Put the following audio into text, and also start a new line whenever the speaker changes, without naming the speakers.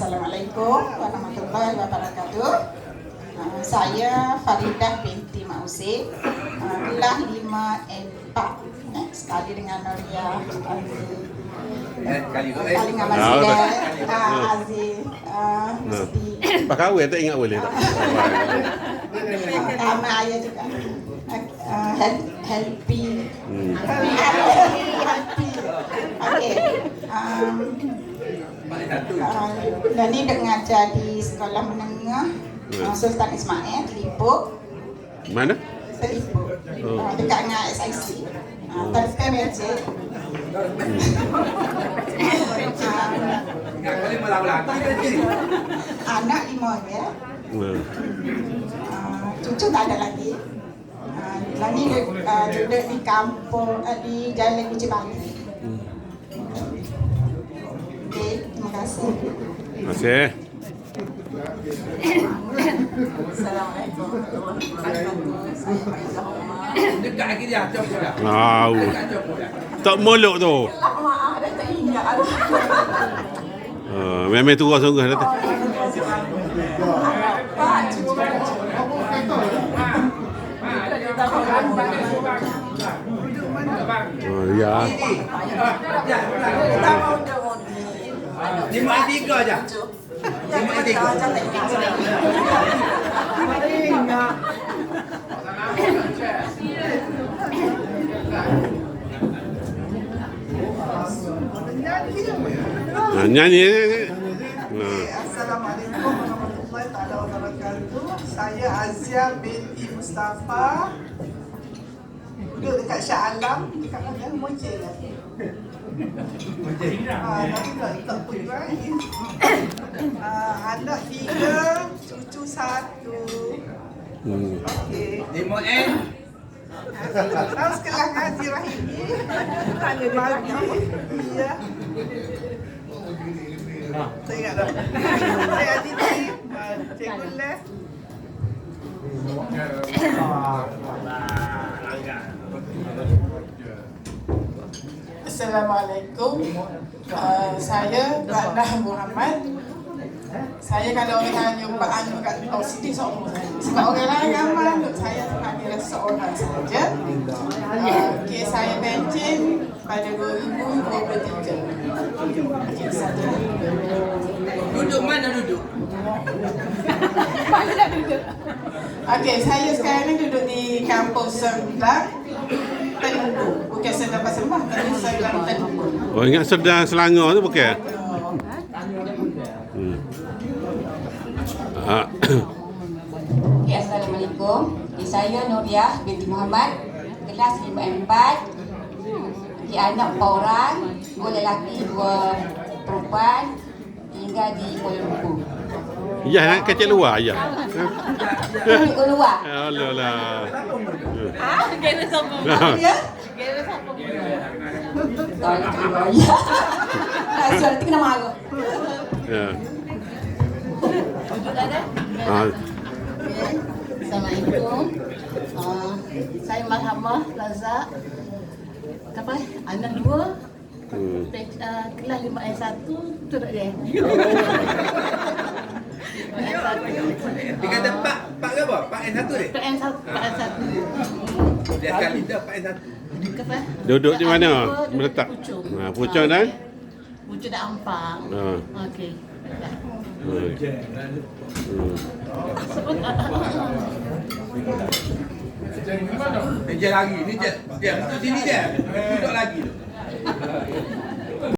Assalamualaikum warahmatullahi wabarakatuh. Saya Faridah binti Mausi, kelas 5N4. Sekali dengan Noria kali dengan Masjid Aziz Mesti.
Pak kahwin tak ingat boleh tak?
Nama ayah juga Helpi. Okey. Dan ni dek ngajar di sekolah menengah Sultan Ismail Telipuk.
Mana?
Telipuk. Dekat dengan SIC. Telefon meja. Anak 5 ya. Cucu tak ada lagi. Lah ni duduk di kampung di Jalan Uji Bali. Okey, terima kasih.
Terima kasih.
Assalamualaikum warahmatullahi wabarakatuh. Saya Faiza Umar.
Dekat lagi dia, jom dah.
Wow. Tak molok tu.
Maaf, dah tak ingat.
Memang turun sungguh dah tu. Oh ya.
5 je.
5. Nyanyi.
Assalamualaikum warahmatullahi wabarakatuh. Saya Azia binti Mustafa. Duduk dekat Shah Alam, dekat mana? Mojeng lah. Tapi tak pun lagi. Anak 3, cucu 1. Okey.
5N.
Tahu sekolah Haji Rahimi. Pagi. Ya. Saya ingat dah. Saya Haji Rahim. Cikgu Les. Assalamualaikum. Saya Rana Muhammad. Saya kalau orang tanya Pak Anu kat sini seorang. Sebab orang lain ramai, saya hanya seorang saja. Okey, saya pencen pada 2023. Okey, saja.
Duduk mana duduk?
Mana nak duduk? Okey, saya sekarang ni duduk di kampus Serdang Teluk. Bukan Serdang Pasar Mah, tapi Serdang Teluk.
Oh ingat Serdang Selangor tu bukan?
Okay, Assalamualaikum. Saya Nuriah binti Muhammad, kelas 5 4. Anak 4 orang, 2 lelaki, 2 perempuan, tinggal di Kuala Lumpur.
Ya nak kecil luar ya.
Kuala luar.
Alah lah.
Gaya sombong.
Ya?
Gaya sombong. Tak ada keluar. Ya. Asal tu kena marah.
Ya.
Assalamualaikum. Saya Marhamah Razak. Apa? Anak 2. Kelas 5S1 tu tak dia.
Dia kata Pak ke apa? Pak N1 dia?
Pak N1.
Dia sekali dah Pak N1.
Duduk di mana? Meletak. Pucuk dah?
Pucuk dah Ampang. Okey.
Dia lagi, ni je. Dia duduk sini je. Duduk lagi tu.